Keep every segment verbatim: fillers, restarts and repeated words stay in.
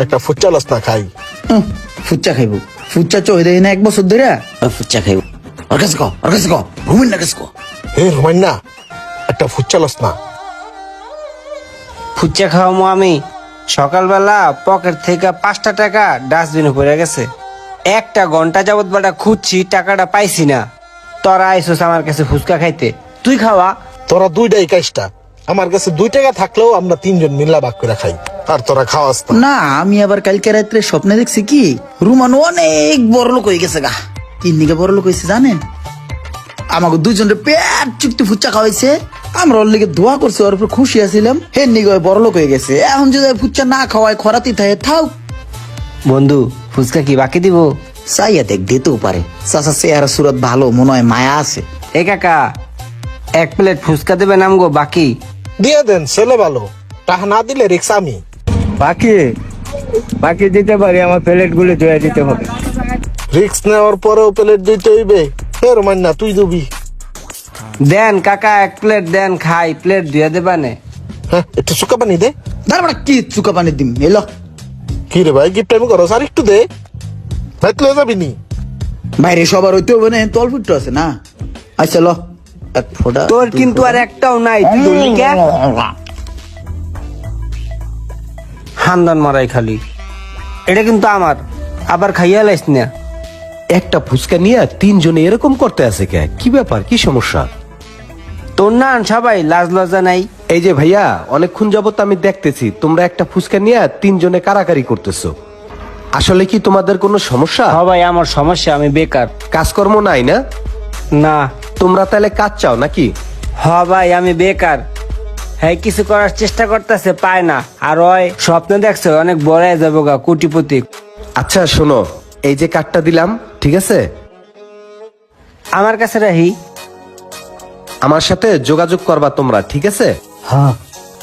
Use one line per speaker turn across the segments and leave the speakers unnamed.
একটা ফুচা লস না খাই।
উহ, ফুচ্চা খাইব ফুচ্চা চই দেয় না এক বছর ধরে ফুচ্চা খাইব। ওর কাছে কো ওর কাছে কো রুমিন না কাছে কো।
হে রুমাইন না, একটা ফুচা লস না।
ফুচকা খাওয়ামো আমি। সকালবেলা পকেট থেকে পাঁচটা টাকা ডাস্টবিনে পড়ে গেছে। একটা ঘন্টা যাবত বেটা খুঁজছি, টাকাটা পাইছি না। তোরা আইসোস আমার কাছে ফুচকা খাইতে, তুই খাওয়া।
তোরা দুইটাই কাজটা, আমার কাছে দুই টাকা থাকলেও আমরা তিনজন মিল্লা ভাগ করে খাই, আর তোরা খাওয়াস না।
না আমি আবার কালকে রাত্রে স্বপ্নে দেখছি কি রুমান অনেক বড় লোক হয়ে গেছে গা। তিন দিকে বড় লোক হয়েছে জানেন, আমাকে দুজনের পেট চুক্তি ফুচা খাওয়াইছে। আমরা ওর লিগে দোয়া করছি, ওর উপর খুশি আছিলাম। হে নিগে বড় লোক হয়ে গেছে। এখন যদি ফুচা না খাওয়ায় খরাতি থাকে থাও।
বন্ধু ফুচকা কি বাকি দিব?
চাইয়া দেখ দিতেও পারে। চাচা চেহারা সুরত ভালো, মনে হয় মায়া আছে।
এ কাকা, এক প্লেট ফুচকা দেবে নামগো বাকি।
দিয়ে দেন, ছেলে ভালো। টাকা না দিলে রিক্স আমি।
বাকি বাকি দিতে পারি, আমার প্লেট গুলো ধুয়ে দিতে হবে।
রিক্স নেওয়ার পরেও প্লেট দিতে হইবে। হে রুমাইন না, তুই দিবি।
দেন কাকা, এক প্লেট দেন খাই, প্লেট ধুয়ে দেবানে।
হ্যাঁ, একটু সুকা পানি দে।
তারপরে কি চুকা পানি দিম এলো।
কি রে ভাই, গিফট টাইম করো, আর একটু দে। ভাই তুই যাবি নি?
বাইরে সবার হইতে হবে না, তল ফুটো আছে না। আচ্ছা ল এক ফোঁটা।
তোর কিন্তু আর একটাও নাই, তুই ধরলি কে? হান্দান মারাই খালি। এটা কিন্তু আমার, আবার খাইয়া লাইস না।
একটা ফুচকা নিয়ে তিনজনে এরকম করতে আছে কে? কি ব্যাপার, কি সমস্যা?
তোর না সবাই লাজ লজ্জা নাই।
এই যে ভাইয়া, অনেকক্ষণ যাবত আমি দেখতেছি তোমরা একটা ফুচকা নিয়ে তিনজনে কারাকারি করতেছো। আসলে কি তোমাদের কোনো সমস্যা?
সবাই আমার সমস্যা, আমি বেকার।
কাজকর্ম নাই না?
না।
তোমরা তাহলে কাজ চাও নাকি?
হ ভাই, আমি বেকার। হ্যাঁ, কিছু করার চেষ্টা করতেছে, পায় না। আর ওই স্বপ্ন দেখছে অনেক বড় হয়ে যাবো গা, কোটিপতি।
আচ্ছা শোনো, এই যে কার্ডটা দিলাম, ঠিক আছে?
আমার কাছে রাহি।
আমার সাথে যোগাযোগ করবা তোমরা, ঠিক আছে?
হ্যাঁ।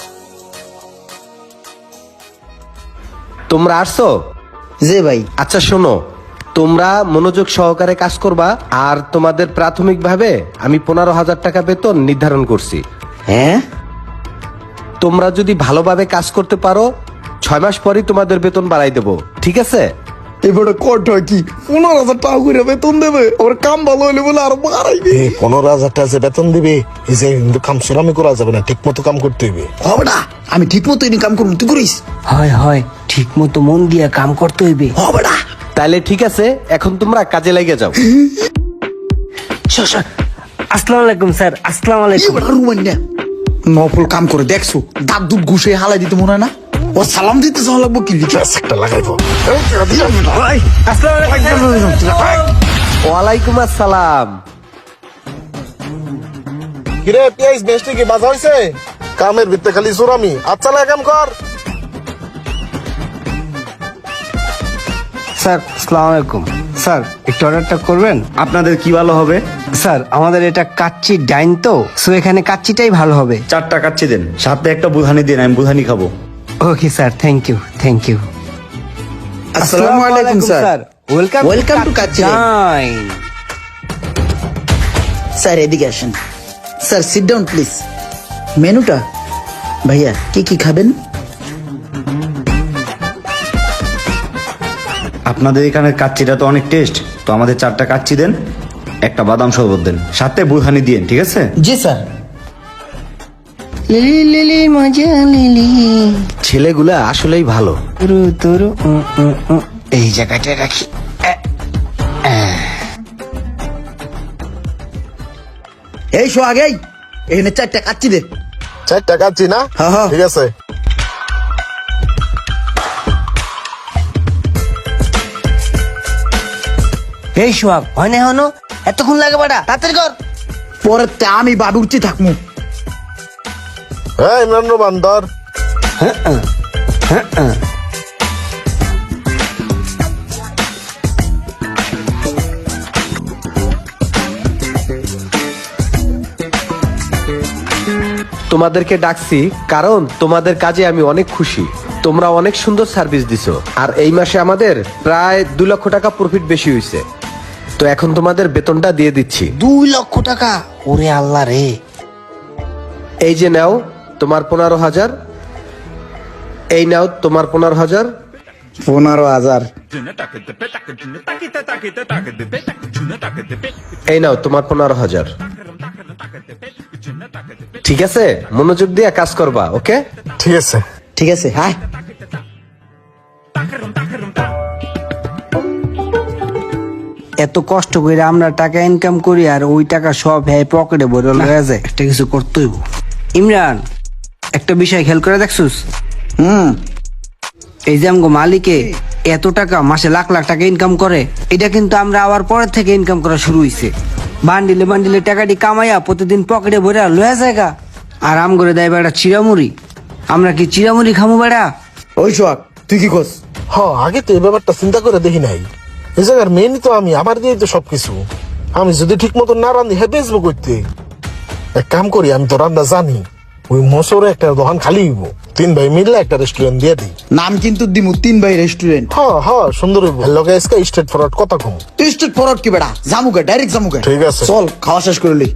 তোমরা আসছো?
যে ভাই
আচ্ছা শোনো, তোমরা মনোযোগ সহকারে কাজ করবা। আর তোমাদের প্রাথমিকভাবে আমি পনেরো হাজার টাকা বেতন নির্ধারণ করছি।
হ্যাঁ
তোমরা যদি ভালোভাবে কাজ করতে পারো, ছয় মাস পরই তোমাদের বেতন বাড়াই দেবো, ঠিক আছে?
এবারে কট হয় কি পনেরো হাজার টাকা করে বেতন দেবে। ওর কাম ভালো হইলে বলে আরো বাড়াইবে।
এ পনেরো হাজার টাকা যে বেতন দিবে, এই যে কিন্তু কাম সেরামি করা যাবে না, ঠিক মতো কাম করতে হইবে।
হবে না, আমি ঠিক মতো কাম করবো, তুই করিস।
হয় হয়, ঠিক মতো মন দিয়ে কাম করতে হইবে।
হবে না।
তাহলে ঠিক আছে, এখন তোমরা কাজে লেগে যাও।
আসসালামু আলাইকুম স্যার। আসসালামু আলাইকুম।
এবার রুমান না নফল কাম করে দেখছো, দাঁত দুধ ঘুষে হালাই দিতে মনে হয় না। ও সালাম দিতে যাওয়া লাগবো কি লিখে।
ব্যাস একটা লাগাইবো।
ওয়ালাইকুম আসসালাম।
কিরে পিয়াইস, বেস্টি কি বাজা হইছে? কামের ভিতরে খালি সুরামি। আচ্ছা লাগা কাম কর।
স্যার আসসালামু আলাইকুম। স্যার একটু অর্ডারটা করবেন?
আপনাদের কি ভালো হবে?
স্যার আমাদের এটা কাচ্চি ডাইন তো, সো এখানে কাচ্চিটাই ভালো হবে।
চারটা কাচ্চি দেন, সাথে একটা বুধানি দিন, আমি বুধানি খাবো।
Okay sir, thank you thank you.
আসসালামু আলাইকুম sir.
Welcome
Welcome to Kacchi Dine. Sir এদিকে আসেন। Sir sit down please. মেনুটা ভাইয়া কি কি খাবেন?
আপনাদের এখানে কাচ্চিটা তো অনেক টেস্ট, তো আমাদের চারটা কাচ্চি দেন, একটা বাদাম শরবত দেন, সাথে বুধানি দিন, ঠিক আছে?
জি স্যার।
লিলি লিলি মজা লিলি
ছেলেগুলা আসলেই ভালো।
তুরু তুরু উম, উম, উম। এই জায়গাটা রাখি।
এই শো আগেই এখানে চারটা কাচ্চি দে।
চার টাকা আছি না?
হ্যাঁ, হ্যাঁ।
ঠিক আছে।
এই সোহাগ হয় না হনো, এতক্ষণ লাগে বাড়া, তাড়াতাড়ি কর।
পরে তে আমি বাবু উঠতে থাকবো।
হ্যাঁ ইমরান বান্দর।
তোমাদেরকে ডাকছি কারণ তোমাদের কাজে আমি অনেক খুশি। তোমরা অনেক সুন্দর সার্ভিস দিছো, আর এই মাসে আমাদের প্রায় দু লক্ষ টাকা প্রফিট বেশি হয়েছে। তো এখন তোমাদের বেতনটা দিয়ে দিচ্ছি।
দুই লক্ষ টাকা? ওরে আল্লাহ রে।
এই যে নাও তোমার পনেরো হাজার, এই নাও তোমার পনেরো হাজার,
পনেরো হাজার
এই নাও তোমার পনেরো হাজার। ঠিক আছে, মনোযোগ দিয়ে কাজ করবা, ওকে?
ঠিক আছে।
ঠিক আছে, হ্যাঁ।
এত কষ্ট করে আমরা টাকা ইনকাম করি আর ওই টাকা সব হ্যাঁ পকেটে ভরে লয়ে যায়। একটা কিছু করতে হইব। ইমরান, একটা বিষয় খেয়াল করে দেখছুস?
হুম।
এই যে আমগো মালিকে এত টাকা মাসে লাখ লাখ টাকা ইনকাম করে, এটা কিন্তু আমরা আবার পরের থেকে ইনকাম করা শুরু হইছে। বান্ডিলে বান্ডিলে টাকাটি কামাইয়া প্রতিদিন পকেটে ভরে লয়ে জায়গা আর আম করে দেয় বেড়া চিরামুড়ি। আমরা কি চিরামুড়ি খামু বেড়া?
ওই সোহাগ, তুই কি করস?
হ, আগে তো এই ব্যাপারটা চিন্তা করে দেখি নাই। এই জায়গার মেনই তো আমি, আমার দিয়েই তো সবকিছু। আমি যদি ঠিক মতো না রান্ধি হ্যাঁ বেচবো করতে। এক কাম করি, আমি তো রান্না জানি, ওই মশরে একটা দোকান খালি হইব, তিন ভাই মিললে একটা রেস্টুরেন্ট দিয়ে দিই।
নাম কিন্তু দিমু তিন ভাই রেস্টুরেন্ট।
হ হ, সুন্দর হইব। লগে আজকে স্ট্রেট ফরওয়ার্ড কথা কম।
তুই স্টেট ফরওয়ার্ড কি বেড়া? জামুকে ডাইরেক্ট জামুকে।
ঠিক আছে।
চল খাওয়া শেষ করলি।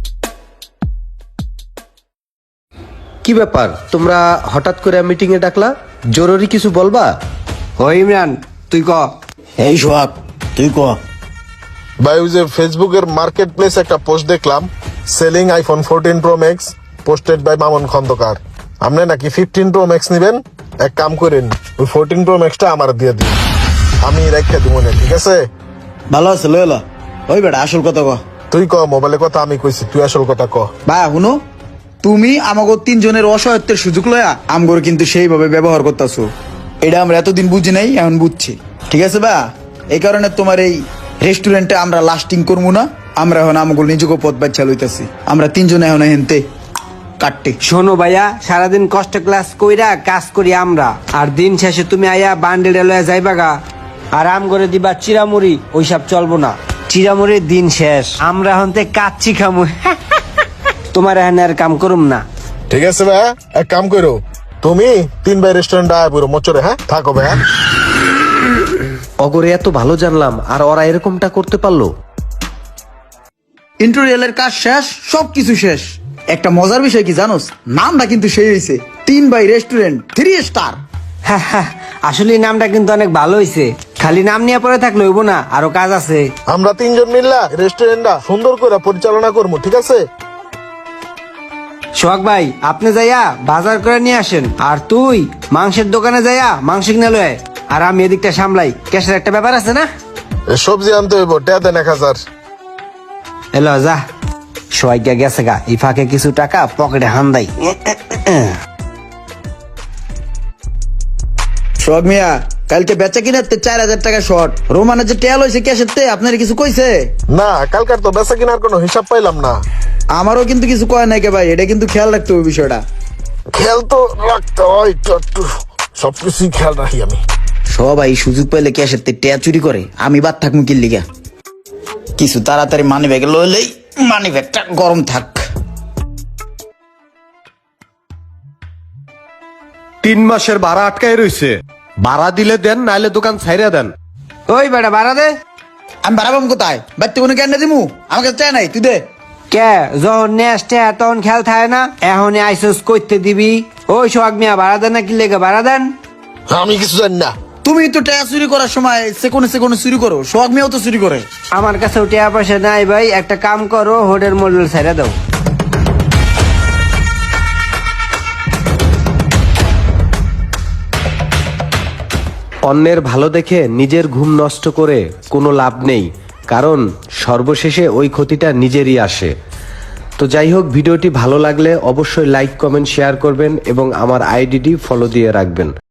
কি ব্যাপার, তোমরা হঠাৎ করে মিটিং এ ডাকলা? জরুরি কিছু বলবা?
ও ইমরান, তুই ক।
এই সোহাগ, তুই ক।
ভাই, ওই যে ফেসবুকের মার্কেট প্লেস একটা পোস্ট দেখলাম, selling iPhone fourteen pro max, posted by Mamun Khandakar. আপনি নাকি ফিফটিন প্রো ম্যাক্স নিবেন? এক কাম করেন, ওই ফোরটিন প্রো ম্যাক্সটা আমার দিয়ে দিন, আমি রেখে দিব না, ঠিক আছে?
ভালো আছে, লইলা। ওই বেড়া আসল কথা ক।
তুই ক, মোবাইলের কথা আমি কইছি, তুই আসল কথা ক।
ভাই শুনো, তুমি আমাকে তিনজনের অসহায়ত্বের সুযোগ লয়া আমগর কিন্তু সেইভাবে ব্যবহার করতেছো। এটা আমরা এতদিন বুঝি নাই, এখন বুঝছি, ঠিক আছে বা? এই কারণে তোমার এই রেস্টুরেন্টে আমরা লাস্টিং করবো না। আমরা এখন আমাকে নিজেকে পথ বাচ্চা লইতেছি। আমরা তিনজনে এখন হেনতে কাটতে।
শোনো ভাইয়া, সারাদিন কষ্ট ক্লাস কইরা কাজ করি আমরা, আর দিন শেষে তুমি আয়া বান্ডেলে লয়ে যাইবা গা আর আম করে দিবা চিরামুড়ি। ওইসব চলবো না, চিরামুড়ির দিন শেষ। আমরা হন্তে কাচ্চি খামু। তোমার এখানে আর কাম করুম না।
ঠিক আছে ভাই, এক কাম করো, তুমি তিন ভাই রেস্টুরেন্ট আয় পুরো মোচরে, হ্যাঁ থাকো ভাই।
অগরে এত ভালো জানলাম আর ওরা এরকমটা করতে পারলো?
ইন্টেরিয়রের কাজ শেষ, সবকিছু শেষ। একটা মজার বিষয় কি জানোস? নামটা কিন্তু সেই হয়েছে, তিন বাই রেস্টুরেন্ট থ্রি স্টার।
আসলে এই নামটা কিন্তু অনেক ভালো হইছে। খালি নাম নিয়ে পরে থাকলে হইব না, আরো কাজ আছে।
আমরা তিনজন মিললা রেস্টুরেন্টটা সুন্দর করে পরিচালনা করবো, ঠিক আছে?
সোহাগ ভাই, আপনি যাইয়া বাজার করে নিয়ে আসেন, আর তুই মাংসের দোকানে যাইয়া মাংস কিনে লয়, আর আমি এদিকটা সামলাই। ক্যাশের একটা ব্যাপার আছে না?
এ সবজি আনতে হইব, টেয়া দেন এক হাজার।
এলো যা। সোহাগ গেছে গা, এই ফাঁকে কিছু টাকা পকেটে হান্দাই।
সোহাগ মিয়া, কালকে বেচা কিনাতে চার হাজার টাকা শর্ট। রোমানের যে টেল হয়েছে ক্যাশের তে, আপনার কিছু কইছে?
না, কালকার তো বেচা কিনার কোনো হিসাব পাইলাম না।
আমারও কিন্তু কিছু কয় নাই কে ভাই, এটা কিন্তু খেয়াল রাখতে হবে বিষয়টা।
খেয়াল তো রাখতে হয়, একটু একটু সবকিছুই খেয়াল রাখি আমি।
সবাই সুযোগ পাইলে ক্যাশের তে টেয়া চুরি করে, আমি বাদ থাকবো কিল লিগা। কিছু তাড়াতাড়ি মানি ব্যাগে লইলেই মানি ব্যাগটা গরম থাক।
তিন মাসের ভাড়া আটকায় রইছে, ভাড়া দিলে দেন, নাইলে দোকান ছাইরা দেন।
ওই বেটা বাড়া দে।
আমি বাড়াবাম কোথায়? বাড়তে কোনো কেন দিমু? আমার কাছে চাই নাই, তুই দে।
কে যখন নেস্টে তখন খেয়াল থাকে না? এখন আইসোস করতে দিবি? ওই সোহাগ মিয়া, ভাড়া দেন না কি লেগে ভাড়া দেন?
আমি কিছু জানি না।
তুমি তো টেয়া চুরি করার সময় সেকোনে সেকোনে চুরি করো, সোহাগ মিয়াও তো চুরি করে।
আমার কাছে টাকা পয়সা নাই ভাই, একটা কাম করো, হোটেল মোডেল ছেড়ে দাও।
অন্যের ভালো দেখে নিজের ঘুম নষ্ট করে কোনো লাভ নেই, কারণ সর্বশেষে ওই ক্ষতিটা নিজেরই আসে। তো যাই হোক, ভিডিওটি ভালো লাগলে অবশ্যই লাইক কমেন্ট শেয়ার করবেন এবং আমার আইডিটি ফলো দিয়ে রাখবেন।